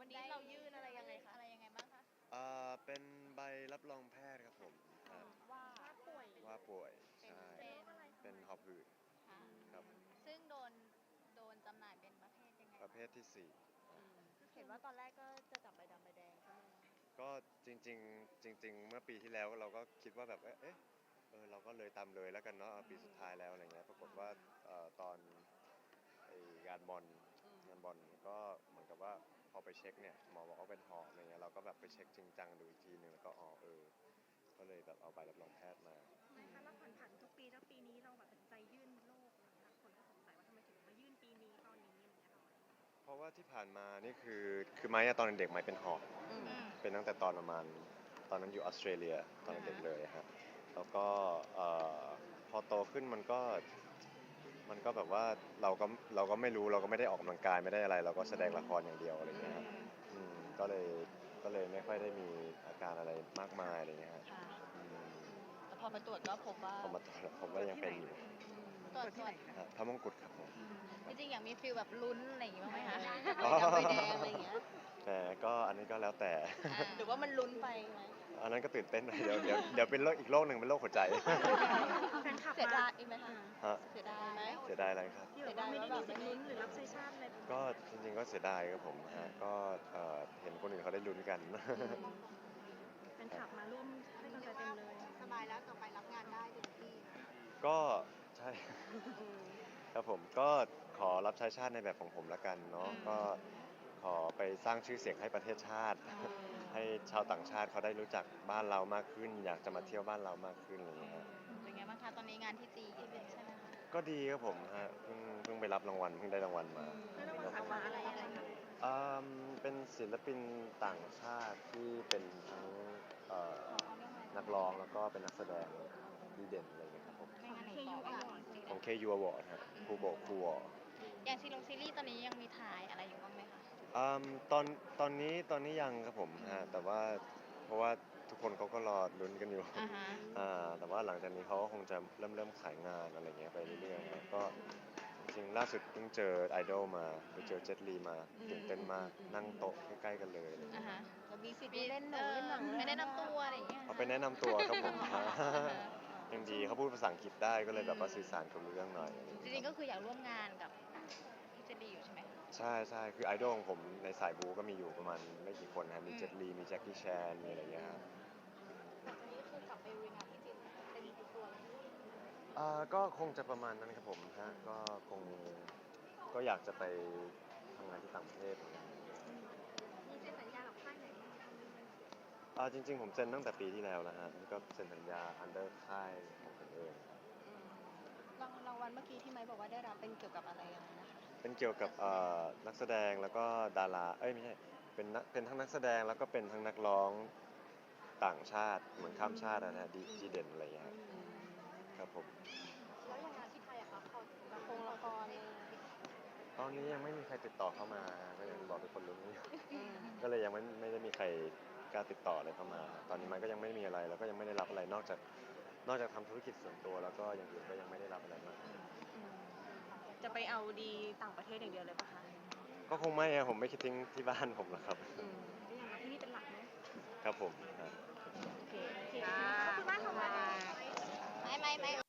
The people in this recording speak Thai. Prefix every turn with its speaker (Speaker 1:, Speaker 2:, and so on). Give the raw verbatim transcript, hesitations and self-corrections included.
Speaker 1: วันนี้เรายื่นอะไรยังไงคะ
Speaker 2: อะไรยังไงบ้างคะ
Speaker 3: เอ่อเป็นใบรับรองแพทย์ครับผมครับ
Speaker 2: ว่า
Speaker 1: ว่าป่วย
Speaker 3: ว่าป่วย
Speaker 2: เป็น
Speaker 3: ใช่
Speaker 2: เป็น
Speaker 3: เป็นหอบหืด
Speaker 2: ค่ะ
Speaker 3: ครับ
Speaker 2: ซึ่งโดนโดนจำหน่ายเป็นประเภทยังไง
Speaker 3: ประเภทที่สี่
Speaker 1: เห็นว่าตอนแรกก็จะจับใบดำใบแดงใช่ไหม
Speaker 3: ก็จริงๆจริงๆเมื่อปีที่แล้วเราก็คิดว่าแบบเอ๊ะเออเราก็เลยตามเลยแล้วกันเนาะเอาปีสุดท้ายแล้วอะไรเงี้ยปรากฏว่าเอ่อตอนไองานบอลงานบอลก็เหมือนกับว่าพอไปเช็คเนี่ยหมอบอกว่าเป็นหอบอะไรเงี้ยเราก็แบบไปเช็คจริงจังดูอีกทีหนึ่งแล้วก็อ๋อเออก็เลยแบบเอาใบรับรองแพทย์มา
Speaker 1: ไม่คะเราผ่านผ่านทุกปีแล้วปีนี้เราแบบตัดใจยื่นโรคอะไรเงี้ยคนก็สงสัยว่าทำไมถึงมายื่นปีนี้ตอนนี้อะไรเงี้ยค่ะ
Speaker 3: เพราะว่าที่ผ่านมานี่คือคือไม้อะตอนเด็กไม้เป็นหอบเป็นตั้งแต่ตอนประมาณตอนนั้นอยู่ออสเตรเลียตอนเด็กเลยครับแล้วก็เอ่อพอโตขึ้นมันก็มันก็แบบว่าเราก็เราก็ไม่รู้เราก็ไม่ได้ออกกำลังกายไม่ได้อะไรเราก็แสดงละครอย่างเดียวอะไรเงี้ยครับอืมก็เลยก็เลยไม่ค่อยได้มีอาการอะไรมากมายอะไรเงี้ยครับ
Speaker 2: ค่ะ
Speaker 3: อืม
Speaker 2: แต่พอไปตรวจก็พบว่า
Speaker 3: ผมมาตรวจผมว่ายังเป็นอยู่
Speaker 2: ตรวจตรวจ
Speaker 3: ฮะพระมงกุฎครับผม
Speaker 2: จริงๆอยากมีฟิลแบบลุ้นอะไรอย่างงี้บ้างไหมคะ
Speaker 3: อ๋อ
Speaker 2: ใบดำใบแดงอะไรอย่างเงี้ย
Speaker 3: แต่ก็อันนี้ก็แล้วแต่
Speaker 2: หรือว่ามันลุ้นไปไหม
Speaker 3: อันนั้นก็ตื่นเต้นหน่อยเดี๋ยวเดี๋ยวเดี๋ยวเป็นโรคอีกโรคหนึ่งเป็นโรคหัวใจ
Speaker 1: แฟนคลับ
Speaker 2: เสีย
Speaker 1: มา
Speaker 2: ดายอีกไหมคะ
Speaker 3: ฮะ
Speaker 2: เสียดายไหม
Speaker 3: เสียดายอะไรครับ
Speaker 1: ที่แบบว่าไม่ได้มีสิทธิ์ลุ้นหรือรับใช้ชาติอะไร
Speaker 3: ก็จริงๆก็เสียดายครับผมฮะก็เอ่อเห็นคนอื่นเขาได้ลุ้นกัน
Speaker 1: แฟนคลับมาร่วมให้กำลังใจเต็มเลยสบายแล้วต่อไปรับงานได้เต็มที่
Speaker 3: ก็ใช่ ครับผมก็ขอรับใช้ชาติในแบบของผมละกันเนาะก็ขอไปสร้างชื่อเสียงให้ประเทศชาติ ให้ชาวต่างชาติเขาได้รู้จักบ้านเรามากขึ้น อยากจะมาเที่ยวบ้านเรามากขึ้นอะไรอย่างเงี้ยฮะ
Speaker 2: เป็นไงบ้างคะตอนนี้งานที่จีนใช่ไหมคะ
Speaker 3: ก็ดีครับผมฮะเพิ่งเพิ่งไปรับรางวัลเพิ่งได้รางวัลมา
Speaker 1: ได้รางวัลสาขาอะไรอะไรคะ
Speaker 3: อืมเป็นศิลปินต่างชาติที่เป็นทั้งเอ่อนักร้องแล้วก็เป็นนักแสดงดีเด่นอะไรอย่างเงี้ยครับผม
Speaker 2: ไม่งั้นหนูตอบไม่ถูก
Speaker 3: ของ เค ยู Award ฮะครูโบครูวอ
Speaker 2: อย่างซีรีส์ซีรีส์ตอนนี้ยังมีถ่ายอะไรอยู่บ้างไหมคะ
Speaker 3: อืมตอนตอนนี้ตอนนี้ยังครับผมฮะแต่ว่าเพราะว่าทุกคนเขาก็รอลุ้นกันอยู่
Speaker 2: อ่าฮะ
Speaker 3: อ่าแต่ว่าหลังจากนี้เขาก็คงจะเริ่มเริ่มขายงานอะไรเงี้ยไปเรื่อยๆนะก็จริงๆล่าสุดเพิ่งเจอไอดอลมาไปเจอเจ็ตลีมาตื่นเต้นมากนั่งโต๊ะใกล้ๆกันเลยอะไร
Speaker 2: อ่า
Speaker 3: เงี้ย
Speaker 2: ฮะจะมีสิทธิ์เล่นหนังเล่นหนังไม่ได้นำตัวอะไรอย่างเงี้ย
Speaker 3: เอาไปแนะนำตัวครับผม
Speaker 2: อ่าฮะ
Speaker 3: ยังดีเขาพูดภาษาอังกฤษได้ก็เลยแบบว่าสื่อสารกับรู้เรื่องหน่อย
Speaker 2: จริงๆก็คืออยากร่วมงานกับพี่เจดีอยู่ใช่ไหมคะ
Speaker 3: ใช่ใช่คือไอดอลของผมในสายบูก็มีอยู่ประมาณไม่กี่คนนะมีเจ็ตลีมีแจ็คกี้แชนมีอะไรเงี้ยครับ
Speaker 2: หลังจากนี้คือกลับไปลุยงานที่จีนเต็มตัวเลย
Speaker 3: อ่าก็คงจะประมาณนั้นครับผมฮะก็คงก็อยากจะไปทำงานที่ต่างประเทศเหมือนกัน
Speaker 1: มีเซ็นสัญญากับค่ายไหนบ้างไหมคะ
Speaker 3: อ่าจริงๆผมเซ็นตั้งแต่ปีที่แล้วแล้วฮะก็เซ็นสัญญา under ค่ายของผมเองครับ
Speaker 2: รางรางวัลเมื่อกี้ที่ไม้บอกว่าได้รับเป็นเกี่ยวกับอะไรยังไงนะคะ
Speaker 3: เป็นเกี่ยวกับเอ่อนักแสดงแล้วก็ดาราเอ้ยไม่ใช่เป็นนักเป็นทั้งนักแสดงแล้วก็เป็นทั้งนักร้องต่างชาติเหมือนข้ามชาตินะฮะดีดีเด่นอะไรอย่างเงี้ยครับครับผม
Speaker 1: แล้วอย่างงานที่ไทยอะคะพอละครละครเนี่ย
Speaker 3: ตอนนี้ยังไม่มีใครติดต่อเข้ามาก็ยังบอกทุกคนรู้อยู่ ก็เลยยังไม่ไม่ได้มีใครกล้าติดต่ออะไรเข้ามา ตอนนี้มันก็ยังไม่มีอะไรแล้วก็ยังไม่ได้รับอะไรนอกจากนอกจากทำธุรกิจส่วนตัวแล้วก็อย่างอื่นก็ยังไม่ได้รับอะไรมาก
Speaker 1: จะไปเอาดีต่างประเทศอย่างเดียวเลยปะคะ
Speaker 3: ก็คงไม่อะผมไม่คิดทิ้งที่บ้านผมหรอกครับ
Speaker 1: ก็ยังมาที่นี่เป็นหลักเนาะ
Speaker 3: ครับผมครับ
Speaker 1: โอเคขอบคุณมากค่ะ
Speaker 2: ไม่ไม่ไม่